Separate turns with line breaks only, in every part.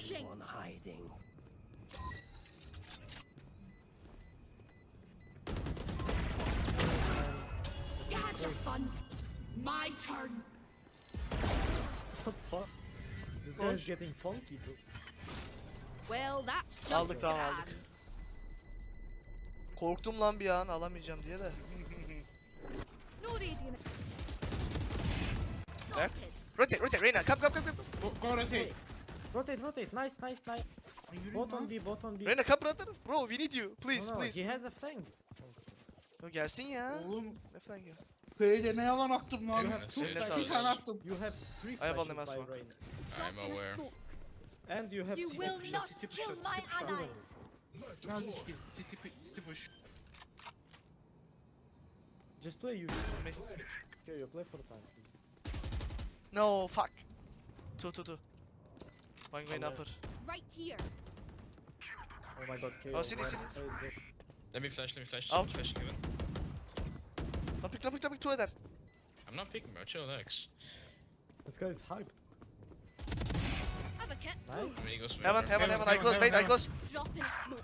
Flashing.
One hiding.
You had your fun. My turn.
What the fuck? This guy's getting funky too.
Well, that's just
Aldık, tamam,
grand.
aldık. Korktum lan bir an alamayacağım diye de.
No radiant.
Left.
Sorted.
Rotate, Reyna, come.
Go rotate.
Rotate. Nice.
Yürüyün
Bot
lan.
on B.
Reyna, come brother. Bro, we need you. Please,
No,
please.
he has a fang.
Yo, gelsin ya.
Oğlum
Ne falan ya.
S'yle ne yalan attım lan.
You have two
Eline
flashes.
sağlık.
Bir tane attım.
You have three
I have only
flashes
mass
by
one.
Reyna.
Drop
I'm
in a
aware.
smoke.
And you have
You
city
will
push.
not
City push,
kill
city
my
push.
allies.
Geldi skill. City push.
Just play you. Okay, you play for time.
No, fuck. Two. One going
Okay.
upper.
Right here.
Oh my god, KO.
Oh, city.
Let me flash.
Out.
Flashing even.
Lapik two eder.
I'm not picking, bro. Chill, relax.
This guy is hyped.
Have a kit.
Nice.
I mean, he goes
Heaven, I close, wait, I close.
Drop in a smoke.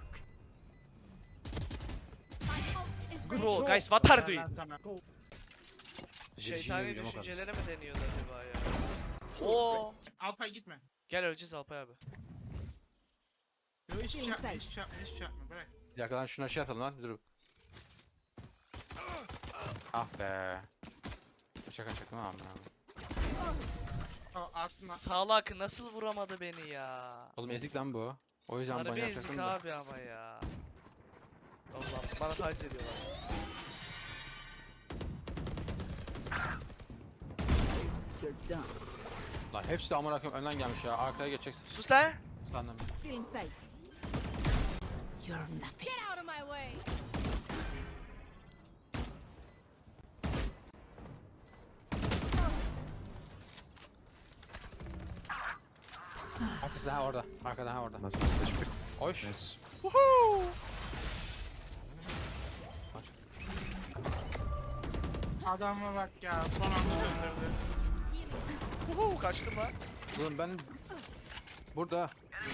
My ult is
Bro,
ready.
guys, what are you
Ben
doing?
sana.
Go.
Şeytani
Virginia
düşüncelere mi deniyordu acaba ya? Oo.
Alpay gitme.
Gel öleceğiz Alpay abi.
Yok hiçbir şey yapma. Hiçbir şey yapma. Bırak.
Bir dakika lan şuna şey atalım lan dur. Ah be. Şaka mı abi?
O aslında.
Salak nasıl vuramadı beni ya?
Oğlum ezik lan bu. O yüzden ben
Harbi
yapacaktım
ezik
da.
abi ama ya. Allah'ım bana taciz ediyorlar.
Lan hepsi de amına koyayım önden gelmiş ya. Arkaya geçeceksin.
Sus lan!
Sandım.
Get in sight. You're nothing. Get out of my way.
Arkası ha orada. Arkada ha orada.
Nasıl hiçbir
Hoş.
Nice.
Woohoo!
Adama bak ya. Son anda döndürdü.
Woohoo! Kaçtım lan.
Oğlum ben burada.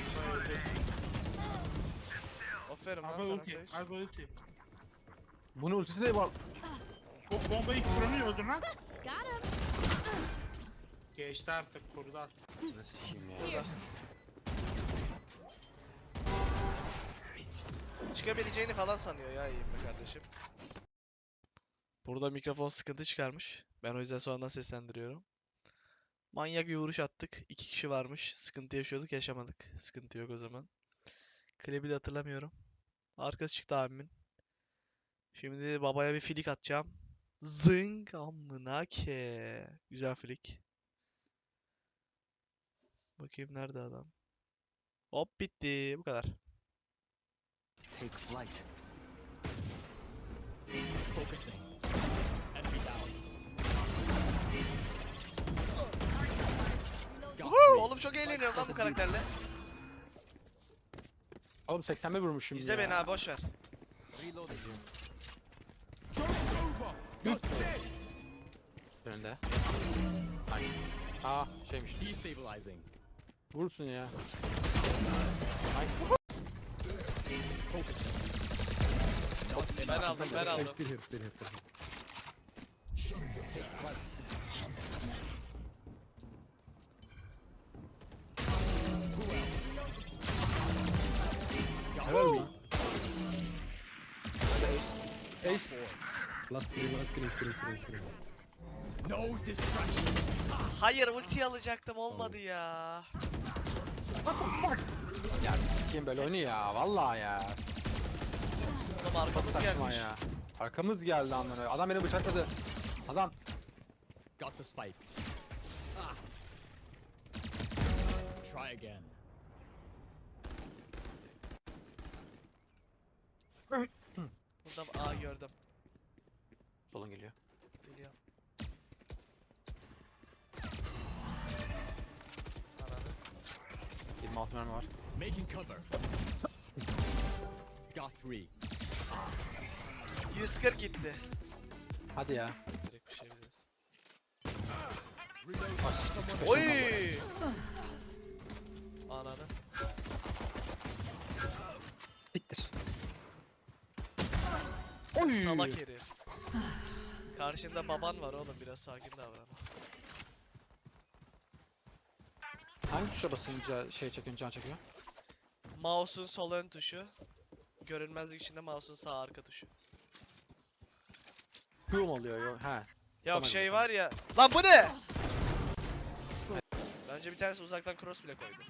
Aferin lan
Alpay
sana
ulti.
Sage.
Alpay ulti.
Bunun ultisi de var.
O bombayı kuranı öldür lan.
Got him.
Geçti artık. Korudu artık.
Nasıl sikeyim ya.
Here.
Çıkabileceğini falan sanıyor ya iyiyim be kardeşim. Burada mikrofon sıkıntı çıkarmış. Ben o yüzden sonradan seslendiriyorum. Manyak bir vuruş attık. 2 kişi varmış. Sıkıntı yaşıyorduk, yaşamadık. Sıkıntı yok o zaman. Klibi de hatırlamıyorum. Arkası çıktı abimin. Şimdi babaya bir flick atacağım. Zing amına ke. Güzel flick. Bakayım nerede adam. Hop bitti. Bu kadar.
Take flight.
Woohoo! Oğlum çok eğleniyorum lan bu karakterle.
Oğlum 81 vurmuşum
İzle
ya.
beni abi boş ver.
Önünde. Ay. Aa şeymiş. Vursun ya.
Ben aldım.
Still here.
Helal mi? Ace.
Last screen.
Hayır ulti alacaktım olmadı ya.
Ya sikeyim böyle oyunu ya. Vallahi ya.
Oğlum arkamız
Saçma
gelmiş.
ya. Arkamız geldi amına. Adam beni bıçakladı. Adam.
Got the spike. Try again.
Burada A gördüm.
Solun geliyor.
Geliyor. Ananı.
26 mermi var.
Making cover. Got 3.
140 gitti.
Hadi ya.
Direkt bir şey biliriz. Oy! Ananı. Salak herif. Karşında baban var oğlum, biraz sakin davran.
Hangi tuşa basınca şey çekiyor, can çekiyor?
Mouse'un sol ön tuşu. Görünmezlik içinde mouse'un sağ arka tuşu.
Q mu oluyor? Yok. He.
Yok
Tamam,
şey
tamam.
var ya. Lan bu ne? Bence bir tanesi uzaktan cross bile koydu.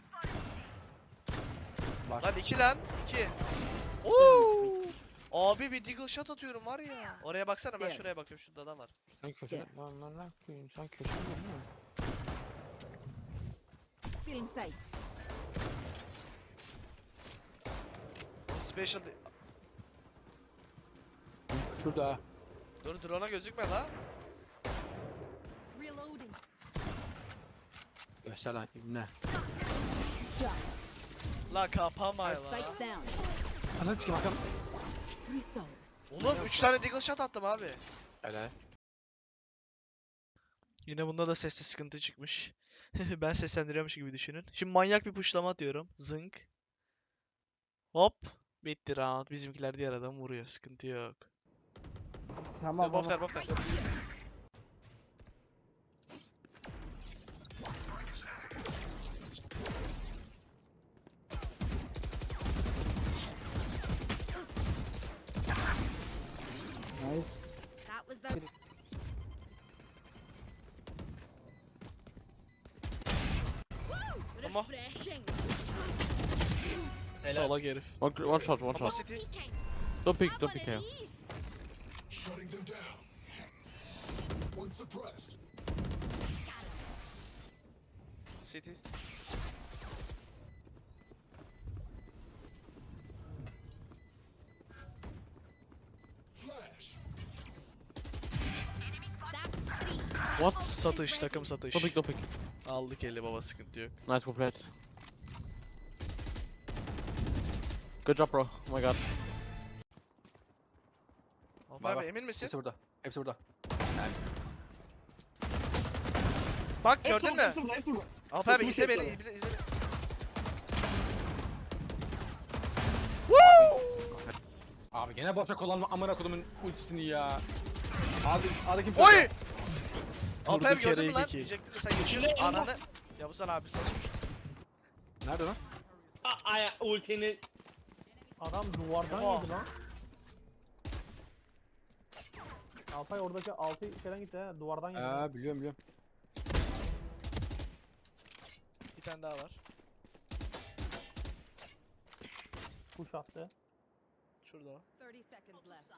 Var.
Lan 2 lan. 2. Oo! Abi bir deagle shot atıyorum var ya. Oraya baksana, ben
Evet.
şuraya bakıyorum, şurada adam var.
Sen köşe.
Gel.
Lan ne yapıyorsun? Sen köşe mi?
Still in sight.
Special
Şurada.
Dur drone'a gözükme la.
Reloading.
Göster lan ne?
La kapama
Our
la.
spike's down.
Ananı sikeyim bakalım.
3 souls.
Oğlum 3 tane deagle shot attım abi.
Öyle.
Yine bunda da sesli sıkıntı çıkmış. Ben seslendiriyormuş gibi düşünün. Şimdi manyak bir pushlama atıyorum. Zınk. Hop. Bitti round. Bizimkiler diğer adamı vuruyor. Sıkıntı yok.
Tamam.
Bofter bofter.
Nice.
That was the
Ama
refreshing.
salak herif.
One shot, one
Ama
shot.
City.
Don't peek, don't peek here.
City.
What?
Satış, takım satış.
Don't peek, don't peek.
Aldık eli baba, sıkıntı yok.
Nice, well played. Good job, bro. Oh my god.
Alp
Var,
abi
var.
emin misin?
Hepsi burada. Hepsi burada.
Bak gördün mü? Alp abi izle beni, izle beni.
Abi gene boşa kullanma amına kodumun ultisini ya. Abi kim?
Oy! Alp
Durduk
abi gördün mü
yere
lan?
iki.
Diyecektim de sen geçiyorsun ananı. Yavuzhan abi saçmış.
Nerede lan?
Adam duvardan
Oha.
yedi lan. Alpay oradaki altı şeyden gitti ha. Duvardan yedi.
Biliyorum.
Bir tane daha var.
Push attı.
Şurada o.
30 seconds left.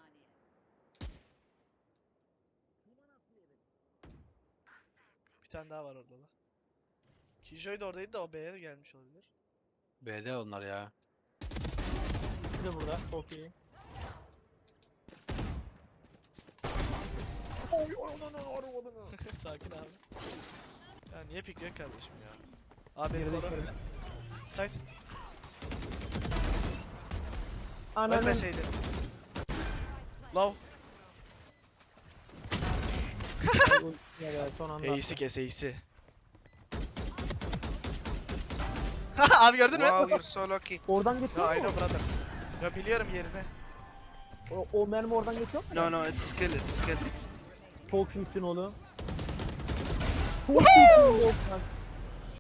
Bir tane daha var orada da. Killjoy da oradaydı da o B'ye de gelmiş olabilir.
B'de onlar ya.
Bir de burada. Çok iyi.
Sakin abi. Ya niye pikliyor kardeşim ya? Abi beni
Geride
koru.
içeride.
Side.
Ananın.
Ölmeseydin. Low.
Ya son anda.
Ace'i kes Ace'i. Abi gördün mü?
Wow, you're so lucky.
Oradan
Ya
geçiyor
I
mu?
know brother. Ya biliyorum yerini.
O mermi oradan geçiyor mu?
No, no, it's skill, it's skill.
Çok iyisin oğlum. Çok iyisin Volkan.